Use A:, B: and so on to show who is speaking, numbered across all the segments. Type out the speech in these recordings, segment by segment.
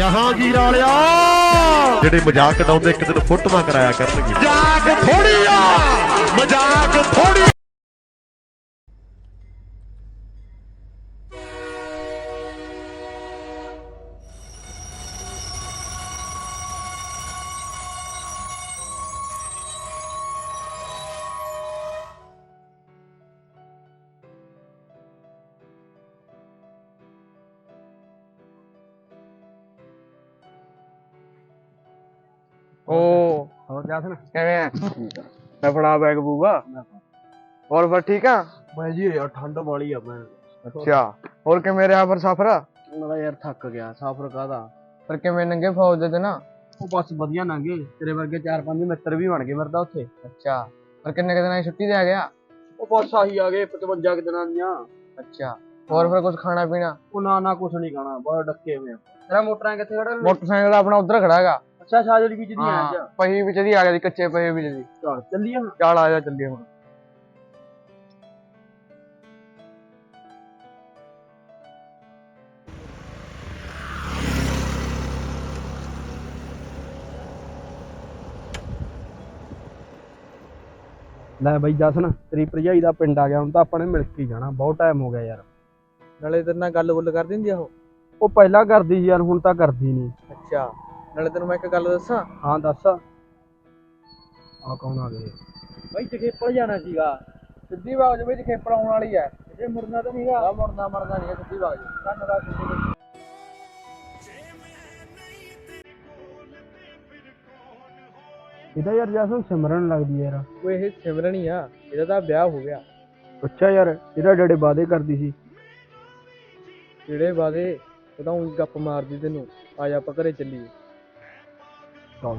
A: ਜਹਾਂਗੀਰ ਵਾਲਿਆ ਜਿਹੜੇ ਮਜ਼ਾਕ ਉਡਾਉਂਦੇ ਇੱਕ ਦਿਨ ਫੋਟੋਆਂ ਕਰਾਇਆ ਕਰਨਗੇ। ਮਜ਼ਾਕ ਥੋੜੀ ਆ, ਮਜ਼ਾਕ ਥੋੜੀ।
B: ਹੋਰ ਜਸਨ ਕਿਵੇਂ ਆ? ਮੈਂ ਫੜਾ ਬੈਗ ਬੂਗਾ ਹੋਰ ਫਿਰ ਠੀਕ ਆ
A: ਮੈਂ ਜੀ ਯਾਰ ਠੰਡ ਵਾਲੀ ਆ ਮੈਂ।
B: ਅੱਛਾ ਹੋਰ ਕਿਵੇਂ ਰਿਹਾ ਫਿਰ ਸਫ਼ਰ?
A: ਮੈਂ ਯਾਰ ਥੱਕ ਗਿਆ। ਸਫ਼ਰ ਕਾਹਦਾ,
B: ਫਿਰ ਕਿਵੇਂ ਨੰਗੇ ਫੌਜ ਦੇ ਤੇ ਨਾ?
A: ਉਹ ਬਸ ਵਧੀਆ ਲੰਘੇ। ਤੇਰੇ ਵਰਗੇ 4-5 ਮਿੱਤਰ ਵੀ ਬਣ ਗਏ ਮੇਰੇ ਤਾਂ ਉੱਥੇ।
B: ਅੱਛਾ ਫਿਰ ਕਿੰਨੇ ਕੁ ਦਿਨਾਂ ਦੀ ਛੁੱਟੀ ਤੇ ਆ ਗਿਆ?
A: ਉਹ ਬਸ ਆਹੀ ਆ ਗਏ 55 ਦਿਨਾਂ ਦੀਆਂ।
B: ਅੱਛਾ ਹੋਰ ਫਿਰ ਕੁਝ ਖਾਣਾ ਪੀਣਾ?
A: ਉਹ ਨਾ ਕੁਛ ਨਹੀਂ ਖਾਣਾ, ਬਹੁਤ ਡੱਕੇ ਹੋਏ ਆ। ਤੇਰਾ ਮੋਟਰਾਂ ਕਿੱਥੇ ਖੜਾ?
B: ਮੋਟਰਸਾਈਕਲ ਆਪਣਾ ਉੱਧਰ ਖੜਾ ਹੈਗਾ।
A: ਅੱਛਾ ਸ਼ਾਜਲੀ ਵਿੱਚ ਦੀ ਆਇਆ ਜਾ।
B: ਪਹੀ ਵਿੱਚ ਦੀ ਆ ਗਿਆ, ਕੱਚੇ ਪਹੀ ਵਿੱਚ ਦੀ।
A: ਚੱਲ ਚੱਲੀਏ ਹੁਣ।
B: ਚੱਲ ਆ ਜਾ ਚੱਲੀਏ ਹੁਣ।
A: ਲੈ ਬਈ ਜਸਨ, ਤੇਰੀ ਭਰਜਾਈ ਦਾ ਪਿੰਡ ਆ ਗਿਆ। ਹੁਣ ਤਾਂ ਆਪਾਂ ਨੇ ਮਿਲ ਕੇ ਜਾਣਾ, ਬਹੁਤ ਟਾਈਮ ਹੋ ਗਿਆ ਯਾਰ।
B: ਨਾਲੇ ਤੇਰੇ ਨਾਲ ਗੱਲ ਕਰ ਦਿੰਦੀ ਆ
A: ਉਹ ਪਹਿਲਾਂ ਕਰਦੀ ਸੀ ਯਾਰ, ਹੁਣ ਤਾਂ ਕਰਦੀ ਨਹੀਂ।
B: ਅੱਛਾ ਨਾਲੇ ਤੈਨੂੰ ਮੈਂ ਇੱਕ ਗੱਲ ਦੱਸਾਂ?
A: ਹਾਂ ਦੱਸ। ਆ ਕੌਣ ਆ ਗਏ?
B: ਬਈ ਜਖੇਪਲ ਜਾਣਾ ਸੀਗਾ। ਸਿੱਧੀ ਬਾਗ ਦੇ ਵਿੱਚ ਜਖੇਪਲ ਆਉਣ ਵਾਲੀ ਐ। ਇਹ ਮੁੜਨਾ ਤਾਂ ਨਹੀਂਗਾ। ਆ ਮੁੜਨਾ ਨਹੀਂ ਹੈ, ਸਿੱਧੀ ਬਾਗ ਧੰਨਵਾਦ।
A: ਇਹਦਾ ਯਾਰ ਜਸਨ ਸਿਮਰਨ ਲੱਗਦੀ ਯਾਰ।
B: ਉਹ ਇਹ ਸਿਮਰਨ ਹੀ ਆ, ਇਹਦਾ ਤਾਂ ਵਿਆਹ ਹੋ ਗਿਆ।
A: ਅੱਛਾ ਯਾਰ, ਇਹਦਾ ਡੇਡੇ ਵਾਅਦੇ ਕਰਦੀ ਸੀ।
B: ਜਿਹੜੇ ਵਾਦੇ ਉਹ ਤਾਂ ਊਂ ਗੱਪ ਮਾਰਦੀ ਤੈਨੂੰ। ਆ ਜਾ ਆਪਾਂ ਘਰੇ ਚੱਲੀਏ।
A: ਚੱਲ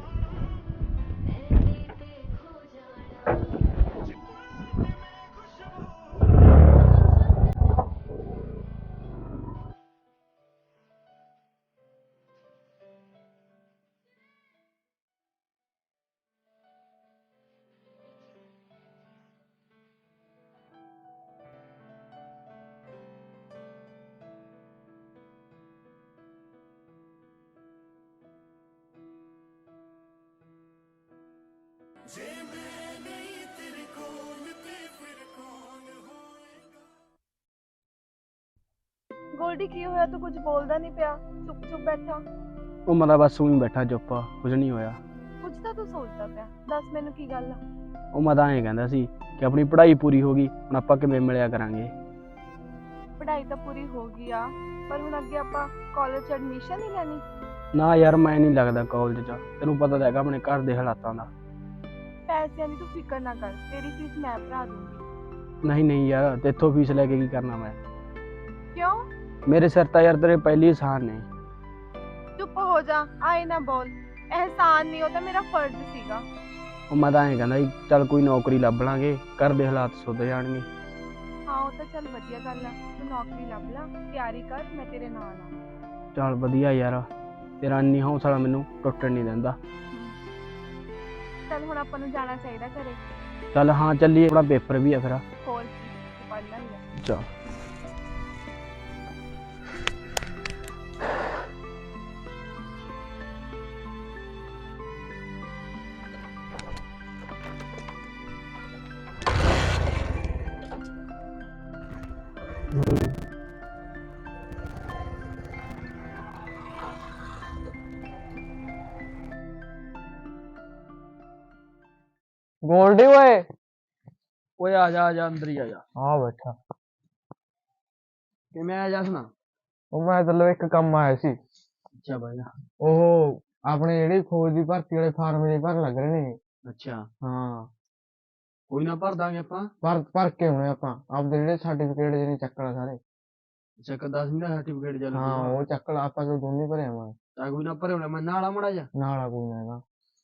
C: ਗੋਲਡੀ ਕੀ ਹੋਇਆ? ਤੂੰ ਕੁਝ ਬੋਲਦਾ ਨਹੀਂ ਪਿਆ, ਚੁੱਪ ਚੁੱਪ ਬੈਠਾ।
A: ਉਹ ਮੈਂ ਤਾਂ ਬਸ ਊਂ ਹੀ ਬੈਠਾ ਚੁੱਪ, ਕੁਝ ਨਹੀਂ ਹੋਇਆ।
C: ਕੁਝ ਤਾਂ ਤੂੰ ਸੋਚਦਾ ਪਿਆ, ਦੱਸ ਮੈਨੂੰ ਕੀ ਗੱਲ ਆ?
A: ਉਹ ਮੈਂ ਤਾਂ ਐਂ ਕਹਿੰਦਾ ਸੀ ਕਿ ਆਪਣੀ ਪੜ੍ਹਾਈ ਪੂਰੀ ਹੋ ਗਈ, ਹੁਣ ਆਪਾਂ ਕਿਵੇਂ ਮਿਲਿਆ ਕਰਾਂਗੇ।
C: ਪੜ੍ਹਾਈ ਤਾਂ ਪੂਰੀ ਹੋ ਗਈ ਆ, ਪਰ ਹੁਣ ਅੱਗੇ ਆਪਾਂ ਕਾਲਜ 'ਚ ਐਡਮਿਸ਼ਨ ਹੀ ਲੈਣੀ।
A: ਨਾ ਯਾਰ ਮੈਂ ਨਹੀਂ ਲੱਗਦਾ ਕਾਲਜ 'ਚ, ਤੈਨੂੰ ਪਤਾ ਤਾਂ ਹੈਗਾ ਆਪਣੇ ਘਰ ਦੇ ਹਾਲਾਤਾਂ ਦਾ।
C: ਪੈਸਿਆਂ ਦੀ ਤੂੰ ਫਿਕਰ ਨਾ ਕਰ, ਤੇਰੀ ਫੀਸ ਮੈਂ ਭਰਾ ਦੂੰਗੀ।
A: ਨਹੀਂ ਯਾਰ, ਤੇਥੋਂ ਫੀਸ ਲੈ ਕੇ ਕੀ ਕਰਨਾ ਮੈਂ?
C: ਕਿਉਂ?
A: ਮੇਰੇ ਸਿਰ ਤਾਂ ਯਾਰ ਤੇਰੇ ਪਹਿਲੀ ਅਹਿਸਾਨ ਨੇ।
C: ਚੁੱਪ ਹੋ ਜਾ, ਆਏ ਨਾ ਬੋਲ। ਅਹਿਸਾਨ ਨਹੀਂ, ਉਹ ਤਾਂ ਮੇਰਾ ਫਰਜ਼ ਸੀਗਾ।
A: ਉਹ ਮੈਂ ਤਾਂ ਐਂ ਕਹਿੰਦਾ ਸੀ ਚੱਲ ਕੋਈ ਨੌਕਰੀ ਲੱਭ ਲਾਂਗੇ, ਘਰ ਦੇ ਹਾਲਾਤ ਸੁਧਰ ਜਾਣਗੇ।
C: ਹਾਂ ਉਹ ਤਾਂ ਚੱਲ ਵਧੀਆ ਗੱਲ ਆ, ਤੂੰ ਨੌਕਰੀ ਲੱਭ ਲਾ, ਤਿਆਰੀ ਕਰ, ਮੈਂ ਤੇਰੇ ਨਾਲ ਆ।
A: ਚੱਲ ਵਧੀਆ ਯਾਰ, ਤੇਰਾ ਇੰਨੀ ਹੌਸਲਾ ਮੈਨੂੰ ਟੁੱਟਣ ਨਹੀਂ ਦਿੰਦਾ।
C: ਚੱਲ ਹੁਣ ਆਪਾਂ ਨੂੰ ਜਾਣਾ ਚਾਹੀਦਾ ਘਰੇ।
A: ਚੱਲ ਹਾਂ ਚੱਲੀਏ, ਆਪਣਾ ਪੇਪਰ ਵੀ ਆ ਫਿਰ।
C: ਹੋਰ ਕੀ, ਪੜ੍ਹਨਾ ਹੀ ਆ।
A: ਚੱਲ
B: ਗੋਲਡੀ ਓਏ।
A: ਓਏ ਆ ਜਾ ਅੰਦਰ ਹੀ ਆ ਜਾ।
B: ਹਾਂ ਬੈਠਾ।
A: ਕਿਵੇਂ ਆ ਜਸਨਾ?
B: ਉਹ ਮੈਂ ਤੈਨੂੰ ਇੱਕ ਕੰਮ ਆਇਆ ਸੀ।
A: ਅੱਛਾ ਬਾਈ।
B: ਉਹ ਆਪਣੇ ਜਿਹੜੀ ਫੌਜ ਦੀ ਭਰਤੀ ਵਾਲੇ ਫਾਰਮ ਦੇ ਭਰਨ ਲੱਗ ਰਹੇ ਨੇ।
A: ਅੱਛਾ
B: ਹਾਂ
A: ਕੋਈ ਨਾ, ਭਰ ਦਾਂਗੇ ਆਪਾਂ।
B: ਭਰ ਕੇ ਆਉਣੇ ਆਪਾਂ, ਆਪਦੇ ਜਿਹੜੇ ਸਰਟੀਫਿਕੇਟ ਜਿਹਨੇ ਚੱਕਣਾ ਸਾਰੇ।
A: ਅੱਛਾ 10ਵੀਂ ਦਾ ਸਰਟੀਫਿਕੇਟ ਚੱਲ
B: ਹਾਂ ਉਹ ਚੱਕਣਾ, ਆਪਾਂ ਤੋਂ ਦੋਨੇ ਭਰੇ ਆਵਾਂਗੇ।
A: ਤਾਂ ਕੋਈ ਨਾ, ਭਰੇ ਹੋਣਾ ਮੈਂ ਨਾਲ ਆ ਮੜਾ ਜਾ।
B: ਨਾਲ ਆ ਕੋਈ ਨਾ ਹੈਗਾ।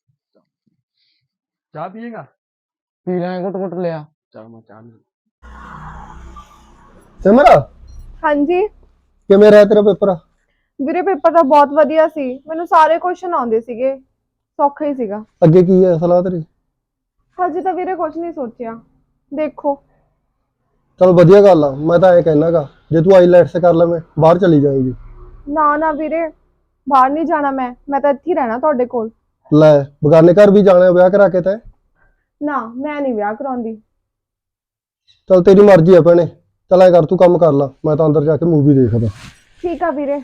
A: ਚਾਹ ਪੀਏਗਾ?
B: ਪੀ ਲੈ, ਘੁੱਟ ਲਿਆ।
A: ਚਲ ਮੈਂ ਚਾਹ ਲੈ।
D: ਸਿਮਰ
C: ਹਾਂਜੀ
D: ਕਿਵੇਂ ਰਿਹਾ ਤੇਰਾ ਪੇਪਰ?
C: ਵੀਰੇ ਪੇਪਰ ਤਾਂ ਬਹੁਤ ਵਧੀਆ ਸੀ, ਮੈਨੂੰ ਸਾਰੇ ਕੁਐਸਚਨ ਆਉਂਦੇ ਸੀਗੇ, ਸੌਖਾ ਹੀ ਸੀਗਾ।
D: ਅੱਗੇ ਕੀ ਹੈ ਸਲਾਹ ਤੇਰੀ?
C: ਹਜੇ ਤਾਂ ਵੀਰੇ ਕੁਝ ਨਹੀਂ ਸੋਚਿਆ, ਦੇਖੋ।
D: ਚਲ ਵਧੀਆ ਗੱਲ ਆ। ਮੈਂ ਤਾਂ ਐਂ ਕਹਿਣਾਗਾ ਜੇ ਤੂੰ ਆਈਲੈਟਸ ਕਰ ਲਵੇਂ ਬਾਹਰ ਚਲੀ ਜਾਏਗੀ।
C: ਨਾ ਵੀਰੇ, ਬਾਹਰ ਨਹੀਂ ਜਾਣਾ ਮੈਂ ਤਾਂ ਇੱਥੇ ਹੀ ਰਹਿਣਾ ਤੁਹਾਡੇ ਕੋਲ।
D: ਲੈ ਬਗਾਨੇ ਘਰ ਵੀ ਜਾਣਾ ਵਿਆਹ ਕਰਾ ਕੇ ਤੈਂ।
C: ਨਾ ਮੈਂ ਨਹੀਂ ਵਿਆਹ ਕਰਾਉਂਦੀ।
D: ਚੱਲ ਤੇਰੀ ਮਰਜ਼ੀ ਆ ਭੈਣੇ। ਚੱਲ ਐ ਕਰ ਤੂੰ ਕੰਮ ਕਰ ਲਾ, ਮੈਂ ਤਾਂ ਅੰਦਰ ਜਾ ਕੇ ਮੂਵੀ ਦੇਖਦਾ।
C: ਠੀਕ ਆ ਵੀਰੇ।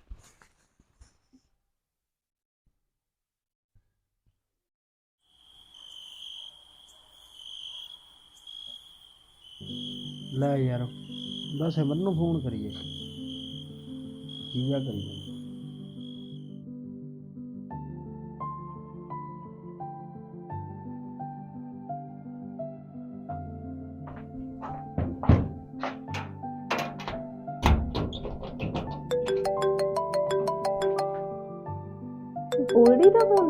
B: ਲੈ ਯਾਰ ਬਸ ਸਿਮਰਨ ਨੂੰ ਫੋਨ ਕਰੀਏ, ਕੀ ਆ ਕਰੀਏ।
C: ਗੋਲਡੀ ਦਾ ਫੋਨ।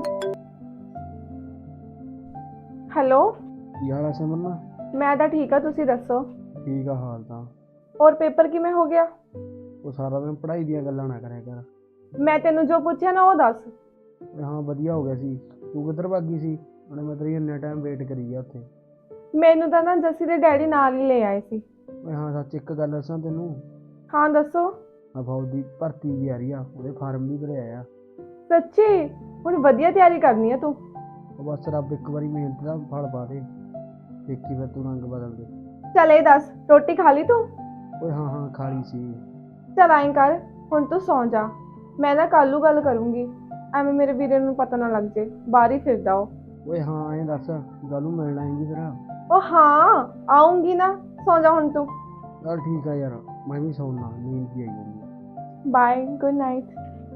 C: ਹੈਲੋ।
B: ਕੀ ਹਾਲ ਆ ਸਿਮਰਨ?
C: ਮੈਂ ਤਾਂ ਠੀਕ ਆ, ਤੁਸੀਂ ਦੱਸੋ।
B: ਠੀਕ ਆ ਹਾਲ ਤਾਂ।
C: ਔਰ ਪੇਪਰ ਕਿਵੇਂ ਹੋ ਗਿਆ?
B: ਉਹ ਸਾਰਾ ਦਿਨ ਪੜ੍ਹਾਈ ਦੀਆਂ ਗੱਲਾਂ ਨਾ ਕਰਿਆ ਕਰ।
C: ਮੈਂ ਤੈਨੂੰ ਜੋ ਪੁੱਛਿਆ ਨਾ ਉਹ ਦੱਸ।
B: ਓਏ ਹਾਂ ਵਧੀਆ ਹੋ ਗਿਆ ਸੀ। ਤੂੰ ਕਿੱਧਰ ਭੱਗ ਗਈ ਸੀ? ਉਹਨੇ ਮੈਂ ਤੇਰੀ ਇੰਨਾ ਟਾਈਮ ਵੇਟ ਕਰੀ ਆ ਉੱਥੇ।
C: ਮੈਨੂੰ ਤਾਂ ਨਾ ਜੱਸੀ ਦੇ ਡੈਡੀ ਨਾਲ ਹੀ ਲੈ ਆਏ ਸੀ।
B: ਓਏ ਹਾਂ ਸੱਚ ਇੱਕ ਗੱਲ ਦੱਸਾਂ ਤੈਨੂੰ,
C: ਹਾਂ ਦੱਸੋ।
B: ਆ ਫੌਜ ਦੀ ਭਰਤੀ ਵੀ ਆ ਰਹੀ ਆ, ਉਹਦੇ ਫਾਰਮ ਵੀ ਭਰਿਆ ਆ।
C: ਸੱਚੀ? ਹੁਣ ਵਧੀਆ ਤਿਆਰੀ ਕਰਨੀ ਆ ਤੂੰ।
B: ਉਹ ਬਸ ਰੱਬ ਇੱਕ ਵਾਰੀ ਮਿਹਨਤ ਦਾ ਫਲ ਪਾ ਦੇ, ਦੇਖੀ ਫਿਰ ਤੂੰ ਰੰਗ ਬਦਲ ਦੇ।
C: ਚੱਲ ਇਹ ਦੱਸ, ਰੋਟੀ ਖਾ ਲਈ ਤੂੰ?
B: ਓਏ ਹਾਂ ਹਾਂ ਖਾ ਲਈ ਸੀ।
C: ਚੱਲ ਐਂ ਕਰ, ਹੁਣ ਤੂੰ ਸੌਂ ਜਾ। ਮੈਂ ਨਾ ਕੱਲ ਨੂੰ ਗੱਲ ਕਰੂੰਗੀ, ਐਵੇਂ ਮੇਰੇ ਵੀਰੇ ਨੂੰ ਪਤਾ ਨਾ ਲੱਗ ਜੇ, ਬਾਹਰ ਹੀ ਫਿਰਦਾ ਉਹ।
B: ਓਏ ਹਾਂ ਐਂ ਦੱਸ, ਗੱਲ ਨੂੰ ਮਿਲਣ ਆਏਂਗੀ ਫਿਰ?
C: ਉਹ ਹਾਂ ਆਉਂਗੀ ਨਾ, ਸੌਂ ਜਾ ਹੁਣ ਤੂੰ।
B: ਚੱਲ ਠੀਕ ਆ ਯਾਰ, ਮੈਂ ਵੀ ਸੌਣਾ, ਨੀਂਦ ਵੀ ਆਈ ਜਾਂਦੀ।
C: Bye, good night.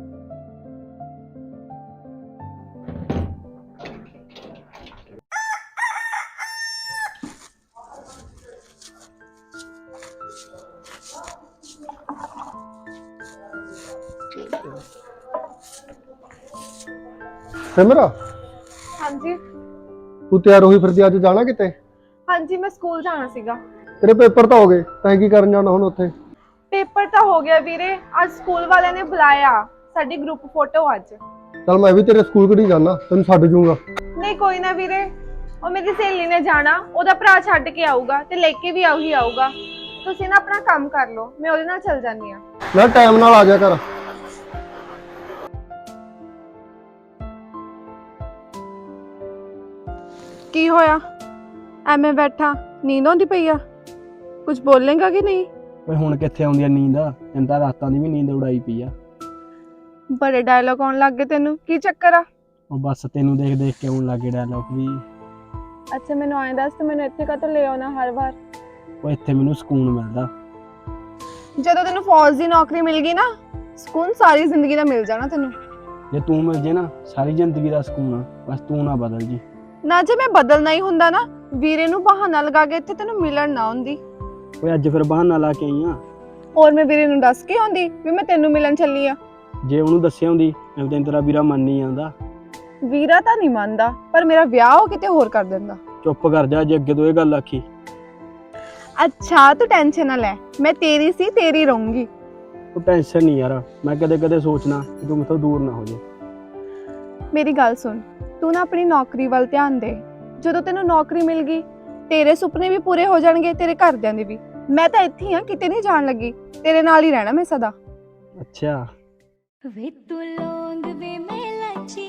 D: ਸਿਮਰਾ
C: ਹਾਂਜੀ
D: ਤੂੰ ਤਿਆਰ ਹੋਈ ਫਿਰਦੀ, ਅੱਜ ਜਾਣਾ ਕਿਤੇ?
C: ਹਾਂਜੀ, ਮੈਂ ਸਕੂਲ ਜਾਣਾ ਸੀਗਾ।
D: ਤੇਰੇ ਪੇਪਰ ਤਾਂ ਹੋ ਗਏ, ਤੈਂ ਕੀ ਕਰਨ ਜਾਣਾ ਹੁਣ ਉੱਥੇ?
C: ਪੇਪਰ ਤਾਂ ਹੋ ਗਿਆ ਵੀਰੇ, ਅੱਜ ਸਕੂਲ ਵਾਲਿਆਂ ਨੇ ਬੁਲਾਇਆ ਸਾਡੀ ਗਰੁੱਪ ਫੋਟੋ ਅੱਜ।
D: ਚੱਲ ਮੈਂ ਵੀ ਤੇਰੇ ਸਕੂਲ ਕਿਹੜੀ ਜਾਣਾ, ਤੈਨੂੰ ਛੱਡ ਜੂੰਗਾ।
C: ਨਹੀਂ ਕੋਈ ਨਾ ਵੀਰੇ, ਉਹ ਮੇਰੀ ਸਹੇਲੀ ਨੇ ਜਾਣਾ, ਉਹਦਾ ਭਰਾ ਛੱਡ ਕੇ ਆਊਗਾ ਤੇ ਲੈ ਕੇ ਵੀ ਆਊਗਾ। ਤੁਸੀਂ ਨਾ ਆਪਣਾ ਕੰਮ ਕਰ ਲਓ, ਮੈਂ ਉਹਦੇ ਨਾਲ ਚੱਲ ਜਾਂਦੀ ਆ।
D: ਨਾ ਟਾਈਮ ਨਾਲ ਆ ਜਾ ਕਰ।
C: ਕੀ ਹੋਇਆ? ਐਵੇਂ ਬੈਠਾ, ਨੀਂਦ ਆਉਂਦੀ ਪਈ ਆ? ਕੁਝ ਬੋਲੇਗਾ ਕਿ ਨਹੀਂ?
B: ਓਏ ਹੁਣ ਕਿੱਥੇ ਆਉਂਦੀ ਆ ਨੀਂਦ? ਤੈਨੂੰ ਤਾਂ ਰਾਤਾਂ ਦੀ ਵੀ ਨੀਂਦ ਉਡਾਈ ਪਈ ਆ।
C: ਬੜੇ ਡਾਇਲੌਗ ਆਉਣ ਲੱਗ ਗਏ ਤੈਨੂੰ, ਕੀ ਚੱਕਰ ਆ?
B: ਉਹ ਬਸ ਤੈਨੂੰ ਦੇਖ ਦੇਖ ਕੇ ਆਉਣ ਲੱਗੇ ਡਾਇਲੌਗ ਵੀ।
C: ਅੱਛਾ ਮੈਨੂੰ ਐਂ ਦੱਸ, ਤੂੰ ਮੈਨੂੰ ਇੱਥੇ ਕਾਹਤੋਂ ਲੈ ਆਉਣਾ ਹਰ ਵਾਰ?
B: ਉਹ ਇੱਥੇ ਮੈਨੂੰ ਸਕੂਨ ਮਿਲਦਾ।
C: ਜਦੋਂ ਤੈਨੂੰ ਫੌਜ ਦੀ ਨੌਕਰੀ ਮਿਲ ਗਈ ਨਾ, ਸਕੂਨ ਸਾਰੀ ਜ਼ਿੰਦਗੀ ਦਾ ਮਿਲ ਜਾਣਾ ਤੈਨੂੰ।
B: ਜੇ ਤੂੰ ਮਿਲ ਜੇ ਨਾ, ਸਾਰੀ ਜ਼ਿੰਦਗੀ ਦਾ ਸਕੂਨ ਆ। ਬਸ ਤੂੰ ਨਾ ਬਦਲ ਜੀ।
C: ਨਾ ਜੇ ਮੈਂ ਬਦਲਣਾ ਹੀ ਹੁੰਦਾ ਨਾ, ਵੀਰੇ ਨੂੰ ਬਹਾਨਾ ਲਗਾ ਕੇ ਇੱਥੇ ਤੈਨੂੰ ਮਿਲਣ ਨਾ ਆਉਂਦੀ।
B: ਓਏ ਅੱਜ ਫਿਰ ਬਹਾਨਾ ਲਾ ਕੇ ਆਈ ਆ।
C: ਔਰ ਮੈਂ ਵੀਰੇ ਨੂੰ ਦੱਸ ਕੇ ਆਉਂਦੀ ਵੀ ਮੈਂ ਤੈਨੂੰ ਮਿਲਣ ਚੱਲੀ ਆ।
B: ਜੇ ਉਹਨੂੰ ਦੱਸਿਆ ਹੁੰਦੀ, ਐਵੇਂ ਤੇਰਾ ਵੀਰਾ ਮੰਨ ਨਹੀਂ ਜਾਂਦਾ।
C: ਵੀਰਾ ਤਾਂ ਨਹੀਂ ਮੰਨਦਾ, ਪਰ ਮੇਰਾ ਵਿਆਹ ਉਹ ਕਿਤੇ ਹੋਰ ਕਰ ਦਿੰਦਾ।
B: ਚੁੱਪ ਕਰ ਜਾ, ਜੇ ਅੱਗੇ ਤੋਂ ਇਹ ਗੱਲ ਆਖੀ।
C: ਅੱਛਾ ਤੂੰ ਟੈਨਸ਼ਨ ਨਾ ਲੈ, ਮੈਂ ਤੇਰੀ ਸੀ ਤੇਰੀ ਰਹੂੰਗੀ।
B: ਤੂੰ ਟੈਨਸ਼ਨ ਨਹੀਂ ਯਾਰ, ਮੈਂ ਕਦੇ ਕਦੇ ਸੋਚਣਾ ਕਿ ਤੂੰ ਮੈਥੋਂ ਦੂਰ ਨਾ ਹੋ ਜਾ।
C: ਮੇਰੀ ਗੱਲ ਸੁਣ, ਤੂੰ ਨਾ ਆਪਣੀ ਨੌਕਰੀ ਵੱਲ ਧਿਆਨ ਦੇ। ਜਦੋਂ ਤੈਨੂੰ ਨੌਕਰੀ ਮਿਲ ਗਈ, ਤੇਰੇ ਸੁਪਨੇ ਵੀ ਪੂਰੇ ਹੋ ਜਾਣਗੇ, ਤੇਰੇ ਘਰਦਿਆਂ ਦੇ ਵੀ। ਮੈਂ ਤਾਂ ਇੱਥੇ ਹੀ ਆ, ਕਿਤੇ ਨਹੀਂ ਜਾਣ ਲੱਗੀ, ਤੇਰੇ ਨਾਲ ਹੀ ਰਹਿਣਾ ਮੈਂ ਸਦਾ।
B: ਅੱਛਾ
E: ਵੇ ਤੂੰ ਲੌਂਗ ਵੇ ਮੈਂ ਲਾਚੀ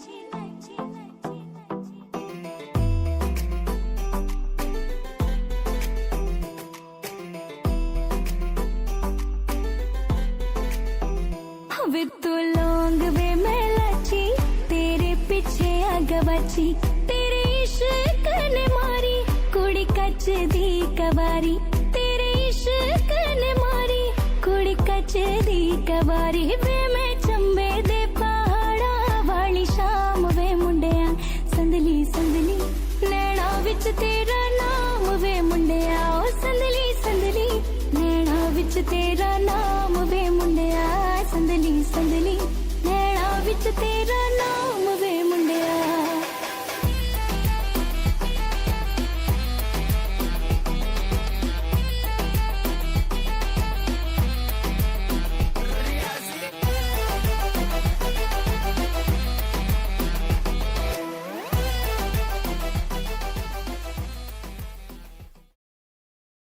E: ਵੇ ਤੂੰ ਲੌਂਗ ਵੇ ਮੈਂ ਲਾਚੀ ਤੇਰੇ ਪਿੱਛੇ ਆ ਗਵਾਚੀ ਤੇਰੇ ਇਸ਼ਕ ਨੇ ਮਾਰੀ ਕੁੜੀ ਕੱਚ ਦੀ ਕਵਾਰੀ ਤੇਰੇ ਇਸ਼ਕ ਨੇ ਮਾਰੀ ਕੁੜੀ ਕੱਚ ਦੀ ਕਵਾਰੀ ਵੇ ਮੈਂ ਚੰਬੇ ਦੇ ਪਹਾੜਾਂ ਵਾਲੀ ਸ਼ਾਮ ਵੇ ਮੁੰਡਿਆਂ ਸੰਦਲੀ ਸੰਦਲੀ ਨੈਣਾ ਵਿੱਚ ਤੇਰਾ ਨਾਮ ਵੇ ਮੁੰਡਿਆ ਓ ਸੰਦਲੀ ਸੰਦਲੀ ਨੈਣਾ ਵਿੱਚ ਤੇਰਾ ਨਾਮ ਵੇ ਮੁੰਡਿਆ ਸੰਦਲੀ ਸੰਦਲੀ ਨੈਣਾ ਵਿੱਚ ਤੇਰਾ ਨਾਮ ਵੇ ਮੁੰਡਿਆ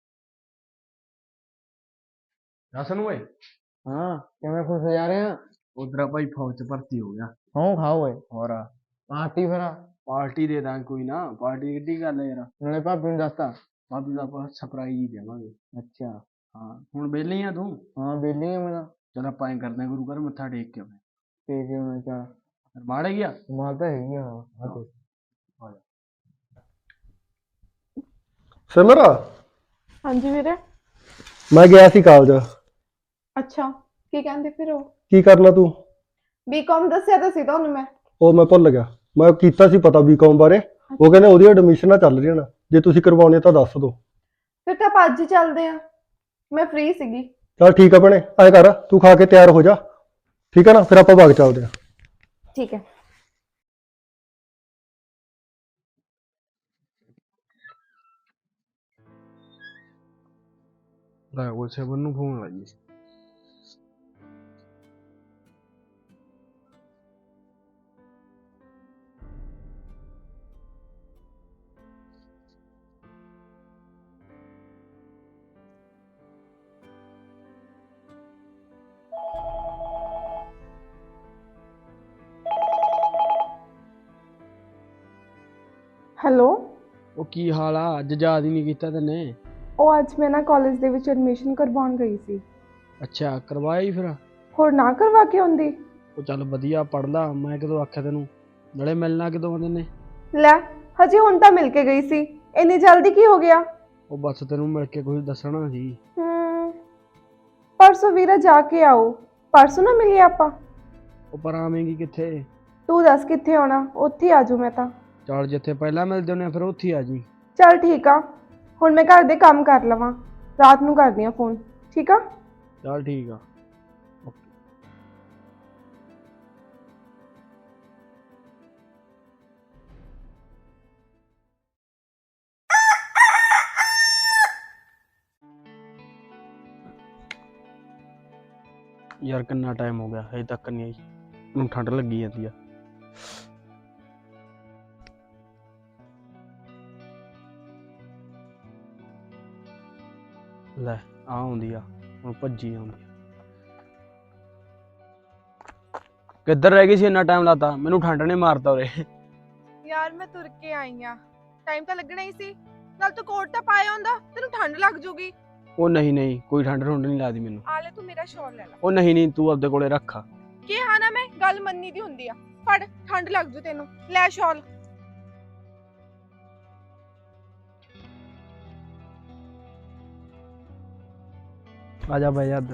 B: ਰਸਨ ਓਏ। ਹਾਂ ਕਿਵੇਂ ਖੁਸ਼ ਜਾ ਰਹੇ ਆ? ਉਧਰ ਭਾਈ ਫੌਜ ਚ ਭਰਤੀ ਹੋ ਗਿਆ।
F: ਹਾਂ ਖਾਓ ਓਏ
B: ਹੋਰ
F: ਪਾਰਟੀ ਫਿਰ
B: ਪਾਰਟੀ ਦੇ ਦਾਂ ਕੋਈ ਨਾ, ਪਾਰਟੀ ਕਿੱਡੀ ਗੱਲ ਹੈ ਯਾਰ।
F: ਨਾਲੇ ਭਾਬੀ ਨੂੰ ਦੱਸਤਾ
B: ਭਾਬੀ ਦਾ ਆਪਾਂ ਸਰਪ੍ਰਾਈਜ਼ ਹੀ ਦੇਵਾਂਗੇ।
F: ਅੱਛਾ
B: ਹਾਂ ਹੁਣ ਵਿਹਲੀ ਆ ਤੂੰ?
F: ਹਾਂ ਬੇਲੀ ਆ ਮੈਂ
B: ਚਲ ਆਪਾਂ ਐਂ ਕਰਦੇ ਆਂ, ਗੁਰੂ ਘਰ ਮੱਥਾ ਟੇਕ ਕੇ ਆਉਂਦੇ
F: ਤੇ ਕਿ ਮੈਂ ਚਾ
B: ਆਂ। ਮਾੜੇ ਗਿਆ
F: ਮਾਲ ਤਾਂ ਹੈਗੀ ਆ ਹਾਂ
D: ਸਿਮਰ
C: ਹਾਂਜੀ ਵੀਰੇ।
D: ਮੈਂ ਗਿਆ ਸੀ ਕਾਲਜ।
C: ਅੱਛਾ, ਕੀ ਕਹਿੰਦੇ ਫਿਰ ਉਹ?
D: ਕੀ ਕਰਨਾ ਤੂੰ?
C: ਬੀਕਾਮ ਦੱਸਿਆ ਤਾਂ ਸੀ ਤੁਹਾਨੂੰ ਮੈਂ।
D: ਉਹ ਮੈਂ ਭੁੱਲ ਗਿਆ, ਮੈਂ ਕੀਤਾ ਸੀ ਪਤਾ ਬੀਕਾਮ ਬਾਰੇ। ਉਹ ਕਹਿੰਦੇ ਉਹਦੀ ਐਡਮਿਸ਼ਨਾਂ ਚੱਲ ਰਹੀਆਂ ਨੇ, ਜੇ ਤੁਸੀਂ ਕਰਵਾਉਣੀ ਤਾਂ ਦੱਸ ਦਿਓ।
C: ਫਿਰ ਤਾਂ ਆਪਾਂ ਅੱਜ ਹੀ ਚੱਲਦੇ ਆ, ਮੈਂ ਫ੍ਰੀ ਸੀਗੀ।
D: ਚਲ ਠੀਕ ਆ ਭੈਣੇ, ਐਂ ਕਰ ਤੂੰ ਖਾ ਕੇ ਤਿਆਰ ਹੋ ਜਾ, ਠੀਕ ਹੈ ਨਾ? ਫਿਰ ਆਪਾਂ ਬਾਗ ਚੱਲਦੇ ਆ।
C: ਠੀਕ ਹੈ।
B: ਲੈ ਉਹ ਸੇਵਨ ਨੂੰ ਫੋਨ ਲਾਈਏ।
C: ਹੈਲੋ।
B: ਉਹ ਕੀ ਹਾਲ ਆ? ਅੱਜ ਯਾਦ ਹੀ ਨਹੀਂ ਕੀਤਾ ਤੈਨੇ।
C: ਉਹ ਅੱਜ ਮੈਂ ਨਾ ਕਾਲਜ ਦੇ ਵਿੱਚ ਐਡਮਿਸ਼ਨ ਕਰਵਾਉਣ ਗਈ ਸੀ।
B: ਅੱਛਾ ਕਰਵਾਇਆ ਹੀ ਫਿਰ?
C: ਹੋਰ ਨਾ ਕਰਵਾ ਕੇ ਆਉਂਦੀ।
B: ਉਹ ਚੱਲ ਵਧੀਆ ਪੜ ਲਾ, ਮੈਂ ਕਦੋਂ ਆਖਿਆ ਤੈਨੂੰ? ਨਾਲੇ ਮਿਲਣਾ ਕਦੋਂ ਆਉਂਦੇ ਨੇ?
C: ਲੈ ਹਜੇ ਹੁਣ ਤਾਂ ਮਿਲ ਕੇ ਗਈ ਸੀ, ਇੰਨੀ ਜਲਦੀ ਕੀ ਹੋ ਗਿਆ?
B: ਉਹ ਬਸ ਤੈਨੂੰ ਮਿਲ ਕੇ ਕੁਝ ਦੱਸਣਾ ਸੀ।
C: ਪਰਸੋਂ ਵੀਰਾ ਜਾ ਕੇ ਆਓ, ਪਰਸੋਂ ਨਾ ਮਿਲੀਏ ਆਪਾਂ।
B: ਉਹ ਪਰ ਆਵੇਂਗੀ ਕਿੱਥੇ?
C: ਤੂੰ ਦੱਸ ਕਿੱਥੇ ਆਉਣਾ, ਉੱਥੇ ਹੀ ਆਜੂ ਮੈਂ ਤਾਂ।
B: ਚੱਲ ਜਿੱਥੇ ਪਹਿਲਾਂ ਮਿਲਦੇ ਹੁੰਦੇ ਆ ਫਿਰ ਉੱਥੇ ਆ ਜੀ।
C: ਚੱਲ ਠੀਕ ਆ, ਹੁਣ ਮੈਂ ਘਰ ਦੇ ਕੰਮ ਕਰ ਲਵਾਂ, ਰਾਤ ਨੂੰ ਕਰਦੀ ਆ ਫੋਨ, ਠੀਕ ਆ?
B: ਚੱਲ ਠੀਕ ਆ। ਯਾਰ ਕਿੰਨਾ ਟਾਈਮ ਹੋ ਗਿਆ ਹਜੇ ਤੱਕ ਨਹੀਂ ਆਈ, ਮੈਨੂੰ ਠੰਡ ਲੱਗੀ ਜਾਂਦੀ ਆ। ਲੈ ਆ ਆਉਂਦੀ ਆ, ਹੁਣ ਭੱਜੀ ਆਉਂਦੀ। ਕਿੱਧਰ ਰਹਿ ਗਈ ਸੀ? ਇੰਨਾ ਟਾਈਮ ਲਾਤਾ, ਮੈਨੂੰ ਠੰਡ ਨੇ ਮਾਰਤਾ ਉਰੇ।
C: ਯਾਰ ਮੈਂ ਤੁਰ ਕੇ ਆਈ ਆ, ਟਾਈਮ ਤਾਂ ਲੱਗਣਾ ਹੀ ਸੀ, ਨਾਲ ਤੂੰ ਕੋਟ ਤਾਂ ਪਾਇਆ ਹੁੰਦਾ, ਤੈਨੂੰ ਠੰਡ ਲੱਗ ਜੂਗੀ।
B: ਉਹ ਨਹੀਂ ਕੋਈ ਠੰਡ ਠੁੰਡ ਨਹੀਂ ਲੱਗਦੀ ਮੈਨੂੰ।
C: ਆ ਲੈ ਤੂੰ ਮੇਰਾ ਸ਼ਾਲ ਲੈ ਲੈ।
B: ਉਹ ਨਹੀਂ ਤੂੰ ਆਪਦੇ ਕੋਲੇ ਰੱਖ।
C: ਕਿਹਾ ਨਾ ਮੈਂ, ਗੱਲ ਮੰਨੀ ਦੀ ਹੁੰਦੀ ਆ। ਫੜ, ਠੰਡ ਲੱਗ ਜੂ ਤੈਨੂੰ, ਲੈ ਸ਼ਾਲ।
B: ਆ ਜਾ ਬਹਿ ਜਾ ਇੱਧਰ।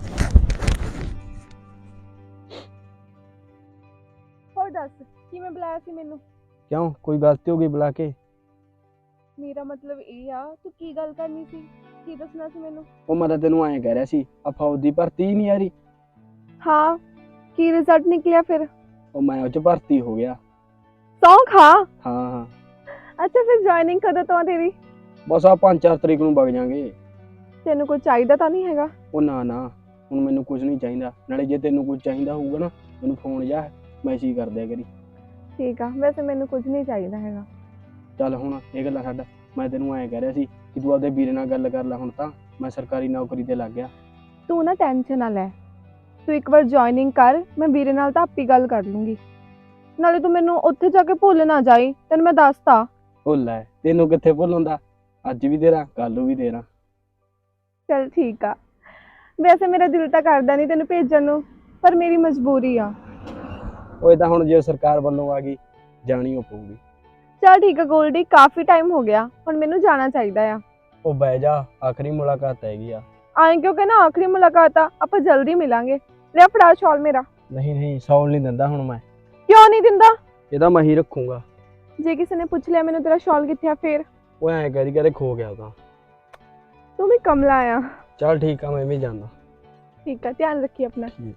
C: ਹੋਰ ਦੱਸ, ਕਿਵੇਂ ਬੁਲਾਇਆ ਸੀ ਮੈਨੂੰ?
B: ਕਿਉਂ ਕੋਈ ਗਲਤੀ ਹੋ ਗਈ ਬੁਲਾ ਕੇ?
C: ਮੇਰਾ ਮਤਲਬ ਇਹ ਆ, ਤੂੰ ਕੀ ਗੱਲ ਕਰਨੀ ਸੀ, ਕੀ ਦੱਸਣਾ ਸੀ ਮੈਨੂੰ?
B: ਉਹ ਮੈਂ ਤਾਂ ਤੈਨੂੰ ਐਂ ਕਹਿ ਰਿਹਾ ਸੀ, ਆ ਫੌਜ ਦੀ ਭਰਤੀ ਹੀ ਨਹੀਂ ਆ ਰਹੀ।
C: ਹਾਂ, ਕੀ ਰਿਜ਼ਲਟ ਨਿਕਲਿਆ ਫਿਰ?
B: ਉਹ ਮੈਂ ਉਹ ਚ ਭਰਤੀ ਹੋ ਗਿਆ।
C: ਸੌਂ ਖਾ।
B: ਹਾਂ
C: ਅੱਛਾ ਫਿਰ ਜੁਆਇਨਿੰਗ ਕਦੋਂ ਤੋਂ ਆ ਤੇਰੀ?
B: ਬਸ ਆ 5-4 ਤਰੀਕ ਨੂੰ ਵਗ ਜਾਾਂਗੇ।
C: ਤੈਨੂੰ ਕੁਝ ਚਾਹੀਦਾ ਤਾਂ ਨਹੀਂ ਹੈਗਾ?
B: ਉਹ ਨਾ ਹੁਣ ਮੈਨੂੰ ਕੁਝ ਨਹੀਂ ਚਾਹੀਦਾ, ਨਾਲੇ ਜੇ ਤੈਨੂੰ ਕੁਝ ਚਾਹੀਦਾ ਹੋਊਗਾ ਨਾ ਮੈਨੂੰ ਫੋਨ ਜਾਂ ਮੈਸੇਜ ਕਰ ਦਿਆ ਕਰੀ।
C: ਠੀਕ ਆ, ਵੈਸੇ ਮੈਨੂੰ ਕੁਝ ਨਹੀਂ ਚਾਹੀਦਾ ਹੈਗਾ।
B: ਚੱਲ ਹੁਣ ਇਹ ਗੱਲਾਂ ਛੱਡ, ਮੈਂ ਤੈਨੂੰ ਐਂ ਕਹਿ ਰਿਹਾ ਸੀ ਕਿ ਤੂੰ ਆਪਦੇ ਵੀਰੇ ਨਾਲ ਗੱਲ ਕਰ ਲੈ, ਹੁਣ ਤਾਂ ਮੈਂ ਸਰਕਾਰੀ ਨੌਕਰੀ ਤੇ ਲੱਗ ਗਿਆ।
C: ਤੂੰ ਨਾ ਟੈਨਸ਼ਨ ਨਾ ਲੈ, ਤੂੰ ਇੱਕ ਵਾਰ ਜੁਆਇਨਿੰਗ ਕਰ, ਮੈਂ ਵੀਰੇ ਨਾਲ ਤਾਂ ਆਪੀ ਗੱਲ ਕਰ ਲੂੰਗੀ। ਨਾਲੇ ਤੂੰ ਮੈਨੂੰ ਉੱਥੇ ਜਾ ਕੇ ਭੁੱਲ ਨਾ ਜਾਈ, ਤੈਨੂੰ ਮੈਂ ਦੱਸਤਾ।
B: ਉਹ ਲੈ ਤੈਨੂੰ ਕਿੱਥੇ ਭੁੱਲ ਹੁੰਦਾ, ਅੱਜ ਵੀ ਤੇਰਾ ਕੱਲ ਨੂੰ ਵੀ ਤੇਰਾ।
C: ਚਲ ਠੀਕ ਆ, ਵੈਸੇ ਮੇਰਾ ਦਿਲ ਤਾਂ ਕਰਦਾ ਨਹੀਂ ਤੈਨੂੰ ਭੇਜਣ ਨੂੰ, ਪਰ ਮੇਰੀ ਮਜਬੂਰੀ ਆ।
B: ਉਹ ਤਾਂ ਹੁਣ ਜੇ ਸਰਕਾਰ ਵੱਲੋਂ ਆ ਗਈ ਜਾਣੀ ਓ ਪਊਗੀ।
C: ਚਲ ਠੀਕ ਆ ਗੋਲਡੀ, ਕਾਫੀ ਟਾਈਮ ਹੋ ਗਿਆ, ਹੁਣ ਮੈਨੂੰ ਜਾਣਾ ਚਾਹੀਦਾ ਆ।
B: ਉਹ ਬਹਿ ਜਾ, ਆਖਰੀ ਮੁਲਾਕਾਤ ਹੈਗੀ ਆ।
C: ਆਏ ਕਿਉਂਕਿ ਨਾ ਆਖਰੀ ਮੁਲਾਕਾਤ ਆ, ਆਪਾਂ ਜਲਦੀ ਮਿਲਾਂਗੇ। ਲੈ ਫੜਾ ਸ਼ਾਲ ਮੇਰਾ।
B: ਨਹੀਂ ਸੌਣ ਨਹੀਂ ਦਿੰਦਾ ਹੁਣ ਮੈਂ।
C: ਕਿਉਂ ਨਹੀਂ ਦਿੰਦਾ?
B: ਇਹਦਾ ਮੈਂ ਹੀ ਰੱਖੂੰਗਾ।
C: ਜੇ ਕਿਸੇ ਨੇ ਪੁੱਛ ਲਿਆ ਮੈਨੂੰ ਤੇਰਾ ਸ਼ਾਲ ਕਿੱਥੇ ਆ ਫੇਰ?
B: ਉਹ ਐਂ ਕਹਦੇ ਖੋ ਗਿਆ ਉਹ ਤਾਂ।
C: ਤੂੰ ਵੀ ਕਮਲਾ ਆ।
B: ਚੱਲ ਠੀਕ ਆ, ਮੈਂ ਵੀ ਜਾਂਦਾ।
C: ਠੀਕ ਆ, ਧਿਆਨ ਰੱਖੀ ਆਪਣਾ।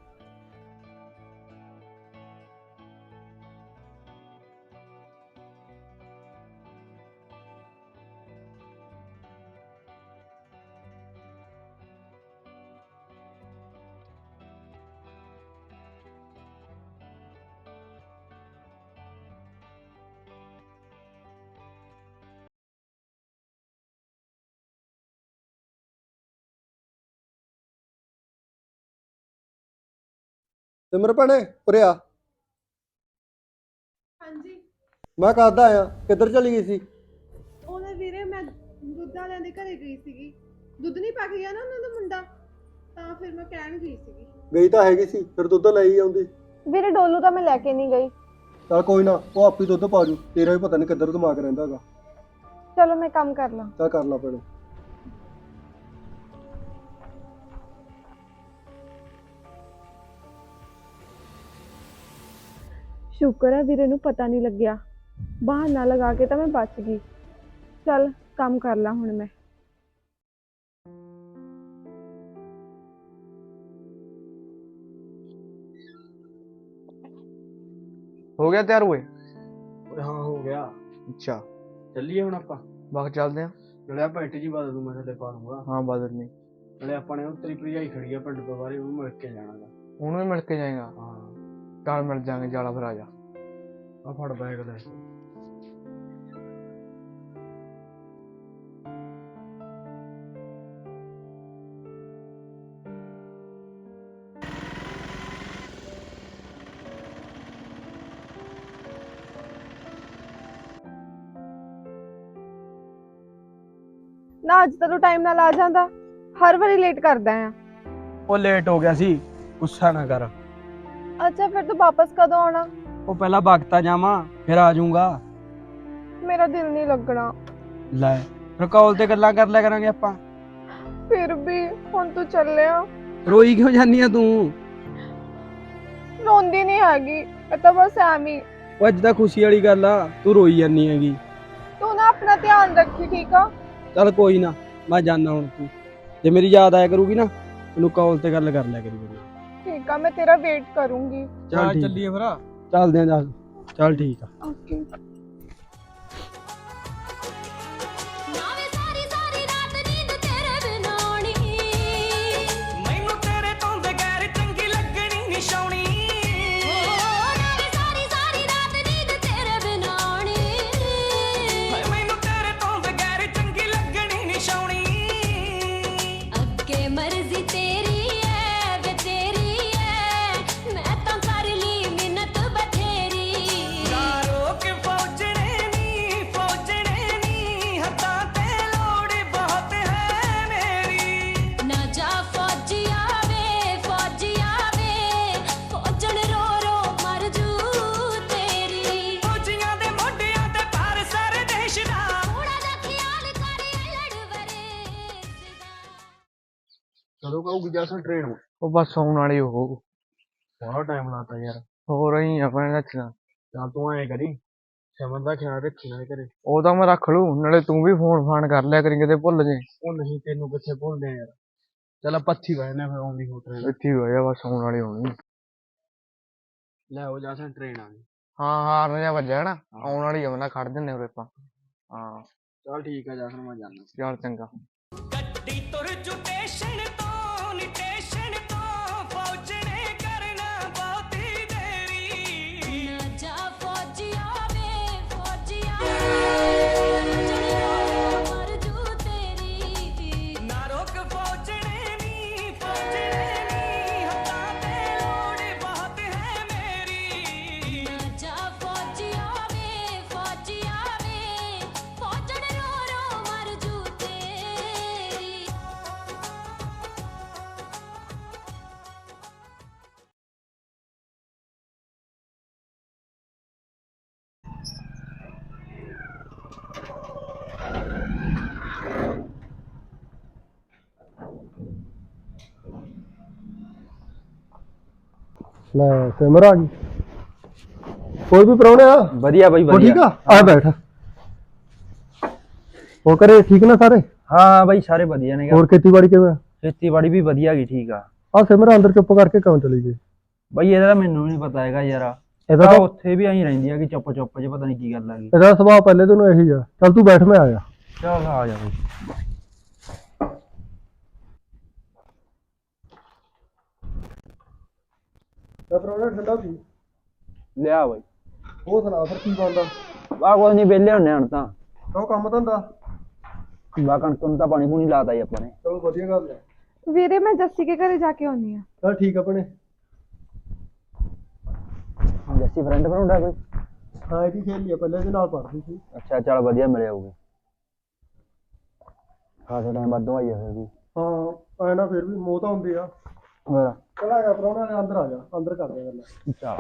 D: ਸਿਮਰ ਭੈਣੇ ਉਰੇ ਆ।
C: ਹਾਂਜੀ
D: ਮੈਂ ਕਦ ਆਇਆ, ਕਿੱਧਰ ਚਲੀ ਗਈ ਸੀ?
C: ਉਹਨੇ ਵੀਰੇ ਮੈਂ ਦੁੱਧ ਵਾਲਿਆਂ ਦੇ ਘਰੇ ਗਈ ਸੀਗੀ, ਦੁੱਧ ਨਹੀਂ ਪਾ ਕੇ ਗਿਆ ਨਾ ਉਹਨਾਂ ਦਾ ਮੁੰਡਾ, ਤਾਂ ਫਿਰ ਮੈਂ ਕਹਿਣ ਗਈ ਸੀਗੀ।
D: ਗਈ ਤਾਂ ਹੈਗੀ ਸੀ, ਫਿਰ ਦੁੱਧ ਲੈ ਹੀ ਆਉਂਦੀ।
C: ਵੀਰੇ ਡੋਲੂ ਤਾਂ ਮੈਂ ਲੈ ਕੇ ਨਹੀਂ ਗਈ।
D: ਚੱਲ ਕੋਈ ਨਾ, ਉਹ ਆਪੀ ਦੁੱਧ ਪਾ ਜੂ, ਤੇਰਾ ਵੀ ਪਤਾ ਨਹੀਂ ਕਿੱਧਰ ਦਿਮਾਗ ਰਹਿੰਦਾ ਹੈਗਾ।
C: ਚਲੋ ਮੈਂ ਕੰਮ ਕਰ ਲਾਂ।
D: ਚੱਲ ਕਰ ਲਾ ਭੈਣੇ।
C: ਸ਼ੁਕਰ ਹੈ ਵੀਰੇ ਨੂੰ ਪਤਾ ਨਹੀਂ ਲੱਗਿਆ, ਬਹਾਨਾ ਲਗਾ ਕੇ ਤਾਂ ਮੈਂ ਬਚ ਗਈ। ਚੱਲ ਕੰਮ ਕਰ ਲਾਂ ਹੁਣ ਮੈਂ।
F: ਹੋ ਗਿਆ ਤਿਆਰ ਹੋਏ?
B: ਓਏ ਹਾਂ ਹੋ ਗਿਆ।
F: ਅੱਛਾ
B: ਚੱਲੀਏ ਹੁਣ ਆਪਾਂ।
F: ਬਾਕੀ ਚੱਲਦੇ ਆ।
B: ਨਾਲੇ ਆਪਾਂ ਇੱਟ ਜੀ ਬਦਲ ਦੂੰ, ਮੈਂ ਥੱਲੇ ਪਾ ਦੂੰਗਾ।
F: ਹਾਂ ਬਦਲ ਨਹੀਂ,
B: ਨਾਲੇ ਆਪਾਂ ਨੇ ਉਹ ਤੇਰੀ ਭਰਜਾਈ ਖੜੀ ਆ ਪਿੰਡ ਤੋਂ ਬਾਹਰ, ਉਹਨੂੰ ਮਿਲ ਕੇ ਜਾਣਾਗਾ।
F: ਉਹਨੂੰ ਵੀ ਮਿਲ ਕੇ ਜਾਏਗਾ।
B: ਹਾਂ
F: ਕੱਲ ਮਿਲ ਜਾਾਂਗੇ, ਜਾਲਾ ਫਿਰ ਆ ਜਾ।
B: ਆ ਫੜ ਬੈਗ ਲੈ।
C: ਨਾ ਅੱਜ ਤਾਂ ਤੂੰ ਟਾਈਮ ਨਾਲ ਆ ਜਾਂਦਾ, ਹਰ ਵਾਰੀ ਲੇਟ ਕਰਦਾ ਆ।
B: ਉਹ ਲੇਟ ਹੋ ਗਿਆ ਸੀ, ਗੁੱਸਾ ਨਾ ਕਰ।
C: ਅੱਛਾ ਫਿਰ ਤੂੰ ਵਾਪਸ ਕਦੋਂ ਆਉਣਾ?
B: ਉਹ ਪਹਿਲਾਂ ਵਕਤਾ ਜਾਵਾਂ ਫਿਰ ਆ ਜਾਊਂਗਾ।
C: ਮੇਰਾ ਦਿਲ ਨਹੀਂ ਲੱਗਣਾ।
B: ਲੈ ਫਿਰ ਕਾਲ ਤੇ ਗੱਲਾਂ ਕਰ ਲਿਆ ਕਰਾਂਗੇ ਆਪਾਂ।
C: ਫਿਰ ਵੀ ਹੁਣ ਤੂੰ ਚੱਲਿਆ।
B: ਰੋਈ ਕਿਉਂ ਜਾਨੀ ਆ ਤੂੰ?
C: ਰੋਂਦੀ ਨਹੀਂ ਹੈਗੀ, ਇਹ ਤਾਂ ਬਸ ਐਵੇਂ।
B: ਉਹ ਅੱਜ ਤਾਂ ਖੁਸ਼ੀ ਵਾਲੀ ਗੱਲ ਆ, ਤੂੰ ਰੋਈ ਜਾਨੀ ਹੈਗੀ।
C: ਤੂੰ ਨਾ ਆਪਣਾ ਧਿਆਨ ਰੱਖੀ, ਠੀਕ ਆ?
B: ਚੱਲ ਕੋਈ ਨਾ, ਮੈਂ ਜਾਣਾ ਹੁਣ। ਤੂੰ ਜੇ ਮੇਰੀ ਯਾਦ ਆਇਆ ਕਰੂਗੀ ਨਾ, ਤੈਨੂੰ ਕਾਲ ਤੇ ਗੱਲ ਕਰ ਲਿਆ ਕਰੀ।
C: ਠੀਕ ਆ, ਮੈਂ ਤੇਰਾ ਵੇਟ ਕਰੂੰਗੀ।
B: ਚੱਲ ਚੱਲੀਏ ਫਿਰ। ਚੱਲਦੇ ਆਂ। ਚੱਲ ਠੀਕ ਆ।
C: ਓਕੇ।
E: मर्जी तेरी है वे तेरी है, मैं तो कर ली मिन्नत बथेरी। ना जा फौजिया वे फौजन रो रो मर जू तेरी। थोड़ा जा ख्याल कर लड़वरे
B: ਕਦੋਂ ਕਹੂਗੀ ਜੈਸਨ ਟ੍ਰੇਨ?
F: ਉਹ ਬਸ ਆਉਣ ਵਾਲੀ ਉਹ
B: ਬੜਾ ਟਾਈਮ ਲਾਤਾ ਯਾਰ।
F: ਹੋ ਰਹੀ ਆ ਭੈਣ ਰੱਖਣਾ।
B: ਚੱਲ ਤੂੰ ਐਂ ਕਰੀ, ਸਮਝ ਦਾ ਖਿਆਲ ਰੱਖੀ ਨਾ ਘਰੇ।
F: ਉਹ ਤਾਂ ਮੈਂ ਰੱਖ ਲੂ, ਨਾਲੇ ਤੂੰ ਵੀ ਫੋਨ ਫਾਨ ਕਰ ਲਿਆ ਕਰੀ, ਕਿਤੇ ਭੁੱਲ ਜੇ।
B: ਉਹ ਨਹੀਂ, ਤੈਨੂੰ ਕਿੱਥੇ ਭੁੱਲਦੇ ਯਾਰ। ਚੱਲ ਆਪਾਂ ਇੱਥੇ ਬਹਿਨੇ ਫਿਰ, ਆਉਂਦੀ ਹੋ ਟ੍ਰੇਨ।
F: ਇੱਥੇ ਹੀ ਹੋਇਆ, ਬਸ ਆਉਣ ਵਾਲੀ ਹੋਣੀ।
B: ਲੈ ਉਹ ਜੈਸਨ ਟ੍ਰੇਨ ਆ ਗਈ।
F: ਹਾਂ ਹਾਰਨ ਜਿਹਾ ਵੱਜਿਆ ਨਾ, ਆਉਣ ਵਾਲੀ ਆ, ਮੈਂ ਖੜ ਜੰਨੇ ਉਰੇ ਆਪਾਂ। ਹਾਂ
B: ਚੱਲ ਠੀਕ ਆ ਜੈਸਨ, ਮੈਂ ਜਾਣਾ।
F: ਚੱਲ ਚੰਗਾ।
E: ना जा फौजिया वे फौजन रो रो मर जू तेरी। ना जा फौजिया वे फौजन रो रो मर जू तेरी।
D: ਲੈ ਸਿਮਰ ਆ ਗਈ। ਕੋਈ ਵੀ ਪ੍ਰਾਹੁਣੇ ਆ?
G: ਵਧੀਆ ਬਾਈ
D: ਉਹ ਠੀਕ ਆ, ਆ ਬੈਠ। ਉਹ ਕਰੇ ਠੀਕ ਨਾ ਸਾਰੇ?
G: ਹਾਂ ਬਾਈ ਸਾਰੇ ਵਧੀਆ ਨੇ।
D: ਹੋਰ ਖੇਤੀਬਾੜੀ ਕਿਵੇਂ?
G: ਖੇਤੀਬਾੜੀ ਵੀ ਵਧੀਆ ਗਈ, ਠੀਕ ਆ।
D: ਆ ਸਿਮਰ ਅੰਦਰ ਚੁੱਪ ਕਰਕੇ ਕਿਉਂ ਚਲੀ ਗਈ?
G: ਬਾਈ ਇਹਦਾ ਤਾਂ ਮੈਨੂੰ ਨਹੀਂ ਪਤਾ ਹੈਗਾ ਯਾਰ।
D: ਇਹਦਾ
G: ਤਾਂ
D: ਤਾਂ
G: ਉੱਥੇ ਵੀ ਐਂ ਰਹਿੰਦੀ ਆ ਕਿ ਚੁੱਪ ਚੁੱਪ ਜੇ, ਪਤਾ ਨਹੀਂ ਕੀ ਗੱਲ ਆ ਗਈ।
D: ਇਹਦਾ ਸੁਭਾਅ ਪਹਿਲੇ ਤੋਂ ਇਹੀ ਆ। ਚੱਲ ਤੂੰ ਬੈਠ, ਮੈਂ ਆਇਆ।
G: ਚੱਲ ਆ ਜਾ ਬਾਈ।
D: ਤਾਂ ਪ੍ਰਾਹੁਣਾ ਠੰਡਾ ਪੀ।
G: ਲਿਆ ਬਾਈ।
D: ਉਹ ਸੁਣਾ ਫਿਰ ਕੀ ਬਣਦਾ?
G: ਆ ਕੁਝ ਨਹੀਂ, ਵਿਹਲੇ ਹੁੰਨੇ ਹੁਣ ਤਾਂ।
D: ਉਹ ਕੰਮ ਧੰਦਾ?
G: ਬਾ ਕਣਕ ਨੂੰ ਤਾਂ ਪਾਣੀ ਪੂਣੀ ਲਾਤਾ ਜੀ ਆਪਾਂ ਨੇ।
D: ਚਲੋ ਵਧੀਆ ਗੱਲ ਹੈ।
C: ਵੀਰੇ ਮੈਂ ਜੱਸੀ ਕੇ ਘਰੇ ਜਾ ਕੇ ਆਉਣੀ ਆ।
D: ਚੱਲ ਠੀਕ ਆ ਭੈਣੇ।
G: ਸੀ ਫਰੈਂਡ ਬਣਾਉਂਦਾ ਕੋਈ?
D: ਹਾਂ ਇਹਦੀ ਸਹੇਲੀ ਆ, ਪਹਿਲਾਂ ਇਹਦੇ ਨਾਲ ਪੜ੍ਹਦੀ ਸੀ।
G: ਅੱਛਾ ਚੱਲ ਵਧੀਆ ਮਿਲਿਆ ਹੋਊਗੀ। ਖਾਸਾ ਟਾਈਮ ਬਾਅਦ ਆਈ ਆ ਫਿਰ ਵੀ।
D: ਹਾਂ ਐ ਨਾ ਫਿਰ ਵੀ ਮੋਹ ਤਾਂ ਹੁੰਦੀ ਆ।
G: ਹੋਰ
D: ਚਲਾ ਗਿਆ ਪ੍ਰਾਹੁਣਾ ਨੇ, ਅੰਦਰ ਆ ਜਾ, ਅੰਦਰ ਕਰਦੇ ਆ ਗੱਲਾਂ।
G: ਚੱਲ।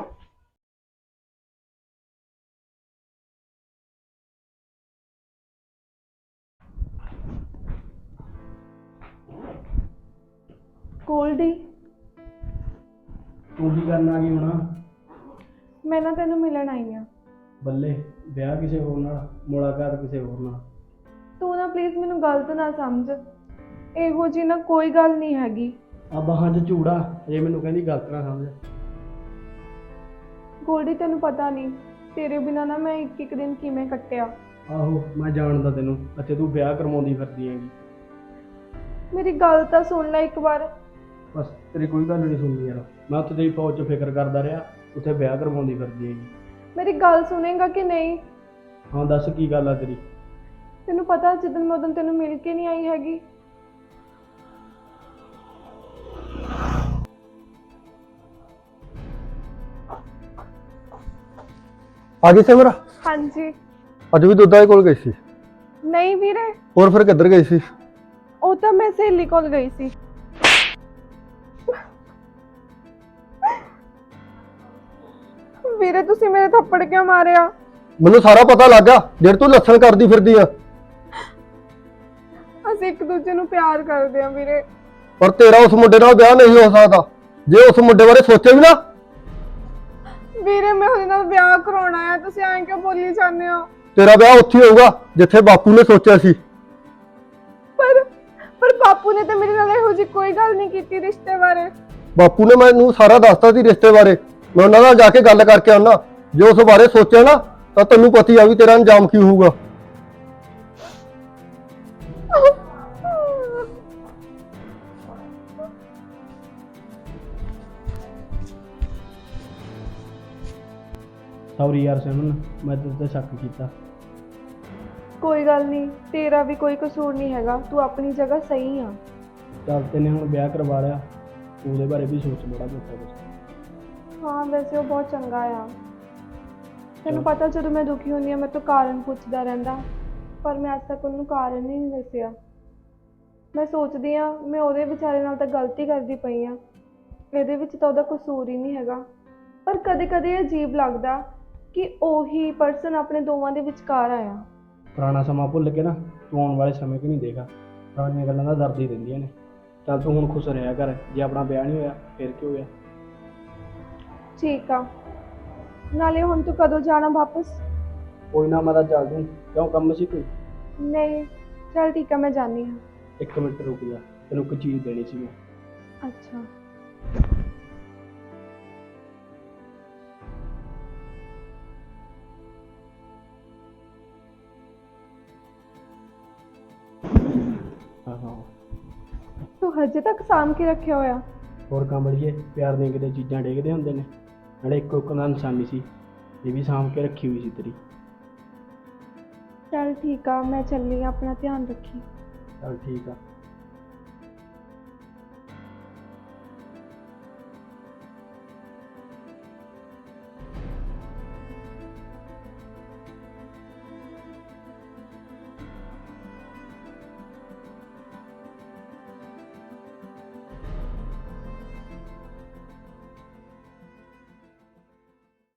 C: ਗੋਲਡੀ,
H: ਤੂੰ ਕੀ ਕਰਨ ਆ ਗਈ ਹੁਣ?
C: ਮੈਂ ਨਾ ਤੈਨੂੰ ਮਿਲਣ ਆਈ ਆ।
H: ਬੱਲੇ, ਵਿਆਹ ਕਿਸੇ ਹੋਰ ਨਾਲ, ਮੁਲਾਕਾਤ ਕਿਸੇ ਹੋਰ ਨਾਲ।
C: ਤੂੰ ਨਾ ਪਲੀਜ਼ ਮੈਨੂੰ ਗਲਤ ਨਾ ਸਮਝ, ਇਹੋ ਜੀ ਨਾ ਕੋਈ ਗੱਲ ਨਹੀਂ ਹੈਗੀ।
H: ਆ ਬਾਹਾਂ 'ਚ ਝੂੜਾ, ਜੇ ਮੈਨੂੰ ਕਹਿੰਦੀ ਗਲਤ ਨਾ ਸਮਝ।
C: ਗੋਲਡੀ ਤੈਨੂੰ ਪਤਾ ਨਹੀਂ ਤੇਰੇ ਬਿਨਾਂ ਨਾ ਮੈਂ ਇੱਕ ਦਿਨ ਕਿਵੇਂ ਕੱਟਿਆ।
H: ਆਹੋ ਮੈਂ ਜਾਣਦਾ ਤੈਨੂੰ, ਅਤੇ ਤੂੰ ਵਿਆਹ ਕਰਵਾਉਂਦੀ ਫਿਰਦੀ ਹੈਗੀ।
C: ਮੇਰੀ ਗੱਲ ਤਾਂ ਸੁਣ ਲੈ ਇੱਕ ਵਾਰ।
H: ਬਸ ਤੇਰੀ ਕੋਈ ਗੱਲ ਨਹੀਂ ਸੁਣਦੀ ਯਾਰ, ਮੈਂ ਉੱਥੇ ਤੇਰੀ ਫੌਜ 'ਚ ਫਿਕਰ ਕਰਦਾ ਰਿਹਾ, ਉੱਥੇ ਵਿਆਹ ਕਰਵਾਉਂਦੀ ਫਿਰਦੀ ਹੈਗੀ।
C: ਮੇਰੀ ਗੱਲ ਸੁਣੇਗਾ ਕਿ ਨਹੀਂ?
H: ਹਾਂ ਦੱਸ ਕੀ ਗੱਲ ਆ ਤੇਰੀ?
C: ਤੈਨੂੰ ਪਤਾ ਜਿੱਦਣ ਮੈਂ ਉਦੋਂ ਤੈਨੂੰ ਮਿਲ ਕੇ ਨਹੀਂ ਆਈ ਹੈਗੀ।
D: ਆ ਗਈ ਸਿਮਰ?
C: ਹਾਂਜੀ।
D: ਅੱਜ ਵੀ ਦੁੱਧਾ ਦੇ ਕੋਲ ਗਈ ਸੀ?
C: ਨਹੀਂ ਵੀਰੇ,
D: ਹੋਰ ਫਿਰ ਕਿੱਧਰ ਗਈ ਸੀ?
C: ਉਹ ਤਾਂ ਮੈਂ ਸਹੇਲੀ ਕੋਲ ਗਈ ਸੀ। ਵੀਰੇ ਤੁਸੀਂ ਮੇਰੇ ਥੱਪੜ ਕਿਉਂ ਮਾਰਿਆ?
D: ਮੈਨੂੰ ਸਾਰਾ ਪਤਾ ਲੱਗ ਗਿਆ ਜਿਹੜੇ ਤੂੰ ਲੱਛਣ ਕਰਦੀ ਫਿਰਦੀ ਆ।
C: ਅਸੀਂ ਇੱਕ ਦੂਜੇ ਨੂੰ ਪਿਆਰ ਕਰਦੇ ਆ ਵੀਰੇ।
D: ਪਰ ਤੇਰਾ ਉਸ ਮੁੰਡੇ ਨਾਲ ਵਿਆਹ ਨਹੀਂ ਹੋ ਸਕਦਾ। ਜੇ ਉਸ ਮੁੰਡੇ ਬਾਰੇ ਸੋਚੇ ਵੀ ਨਾ।
C: ਵੀਰੇ ਮੈਂ ਉਹਦੇ ਨਾਲ ਵਿਆਹ ਕਰਾਉਣਾ ਆ, ਤੁਸੀਂ ਐਂ ਕਿਉਂ ਬੋਲੀ ਜਾਂਦੇ ਹੋ?
D: ਤੇਰਾ ਵਿਆਹ ਉੱਥੇ ਹੋਊਗਾ ਜਿੱਥੇ ਬਾਪੂ ਨੇ ਸੋਚਿਆ ਸੀ।
C: ਪਰ ਬਾਪੂ ਨੇ ਤਾਂ ਮੇਰੇ ਨਾਲ ਇਹੋ ਜਿਹੀ ਕੋਈ ਗੱਲ ਨਹੀਂ ਕੀਤੀ ਰਿਸ਼ਤੇ ਬਾਰੇ।
D: ਬਾਪੂ ਨੇ ਮੈਨੂੰ ਸਾਰਾ ਦੱਸਤਾ ਸੀ ਰਿਸ਼ਤੇ ਬਾਰੇ। ਮੈਂ ਉਹਨਾਂ ਨਾਲ ਜਾ ਕੇ ਗੱਲ ਕਰਕੇ ਆਉਣਾ। ਜੇ ਉਸ ਬਾਰੇ ਸੋਚਿਆ ਨਾ ਤਾਂ ਤੈਨੂੰ ਪਤਾ ਹੀ ਆ ਵੀ ਤੇਰਾ ਅੰਜਾਮ ਕੀ ਹੋਊਗਾ।
H: ਸੌਰੀ ਯਾਰ ਸਿਮਰਨ, ਮੈਂ ਤੇਰੇ ਤੇ ਸ਼ੱਕ ਕੀਤਾ।
C: ਕੋਈ ਗੱਲ ਨਹੀਂ, ਤੇਰਾ ਵੀ ਕੋਈ ਕਸੂਰ ਨਹੀਂ ਹੈਗਾ, ਤੂੰ ਆਪਣੀ ਜਗ੍ਹਾ ਸਹੀ ਆ।
H: ਚੱਲ ਤੈਨੇ ਹੁਣ ਵਿਆਹ ਕਰਵਾ ਲਿਆ, ਤੂੰ ਉਹਦੇ ਬਾਰੇ ਵੀ ਸੋਚ ਬੜਾ ਮੋਟਾ ਕੁਛ।
C: ਹਾਂ ਵੈਸੇ ਉਹ ਬਹੁਤ ਚੰਗਾ ਆ। ਤੈਨੂੰ ਪਤਾ ਜਦੋਂ ਮੈਂ ਦੁਖੀ ਹੁੰਦੀ ਆ ਮੇਰੇ ਤੋਂ ਕਾਰਨ ਪੁੱਛਦਾ ਰਹਿੰਦਾ, ਪਰ ਮੈਂ ਅੱਜ ਤੱਕ ਉਹਨੂੰ ਕਾਰਨ ਹੀ ਨਹੀਂ ਦੱਸਿਆ। ਮੈਂ ਸੋਚਦੀ ਆ ਮੈਂ ਉਹਦੇ ਵਿਚਾਰੇ ਨਾਲ ਤਾਂ ਗਲਤੀ ਕਰਦੀ ਪਈ ਆ, ਇਹਦੇ ਵਿੱਚ ਤਾਂ ਉਹਦਾ ਕਸੂਰ ਹੀ ਨਹੀਂ ਹੈਗਾ। ਪਰ ਕਦੇ ਕਦੇ ਅਜੀਬ ਲੱਗਦਾ ਕਿ ਉਹੀ ਪਰਸਨ ਆਪਣੇ ਦੋਵਾਂ ਦੇ ਵਿਚਕਾਰ ਆਇਆ।
H: ਪੁਰਾਣਾ ਸਮਾਂ ਭੁੱਲ ਕੇ ਨਾ ਤੂੰ ਆਉਣ ਵਾਲੇ ਸਮੇਂ 'ਚ ਨਹੀਂ ਦੇਖਾ, ਪੁਰਾਣੀਆਂ ਗੱਲਾਂ ਦਾ ਦਰਦ ਹੀ ਦਿੰਦੀਆਂ ਨੇ। ਚੱਲ ਤੂੰ ਹੁਣ ਖੁਸ਼ ਰਿਹਾ ਕਰ, ਜੇ ਆਪਣਾ ਵਿਆਹ ਨਹੀਂ ਹੋਇਆ ਫਿਰ ਕੀ ਹੋਇਆ?
C: ਠੀਕ ਆ, ਨਾਲੇ ਹੁਣ ਤੂੰ ਕਦੋਂ ਜਾਣਾ ਵਾਪਸ?
H: ਕੋਈ ਨਾ ਮੈਂ ਤਾਂ ਚੱਲ ਦੂੰ, ਕਿਉਂ ਕੰਮ ਸੀ ਕੋਈ?
C: ਨਹੀਂ ਚਲ ਠੀਕ ਆ, ਮੈਂ ਜਾਣੀ ਹਾਂ।
H: 1 ਮਿੰਟ ਰੁਕ ਜਾ, ਤੈਨੂੰ ਇੱਕ ਚੀਜ਼ ਦੇਣੀ ਸੀ ਮੈਂ।
C: ਅੱਛਾ
H: ਹਾਂ
C: ਤੂੰ ਹਜੇ ਤੱਕ ਸਾਂਭ ਕੇ ਰੱਖਿਆ ਹੋਇਆ?
H: ਹੋਰ ਕੰਬਲੀਏ, ਪਿਆਰ ਦੀਆਂ ਕਿਤੇ ਚੀਜ਼ਾਂ ਡੇਗਦੇ ਹੁੰਦੇ ਨੇ, ਨਾਲੇ ਇੱਕੋ ਇੱਕ ਦਾ ਨਿਸ਼ਾਨੀ ਸੀ, ਇਹ ਵੀ ਸਾਂਭ ਕੇ ਰੱਖੀ ਹੋਈ ਸੀ ਤੇਰੀ।
C: ਚਲ ਠੀਕ ਆ, ਮੈਂ ਚੱਲੀ ਆ, ਆਪਣਾ ਧਿਆਨ ਰੱਖੀ।
H: ਚੱਲ ਠੀਕ ਆ।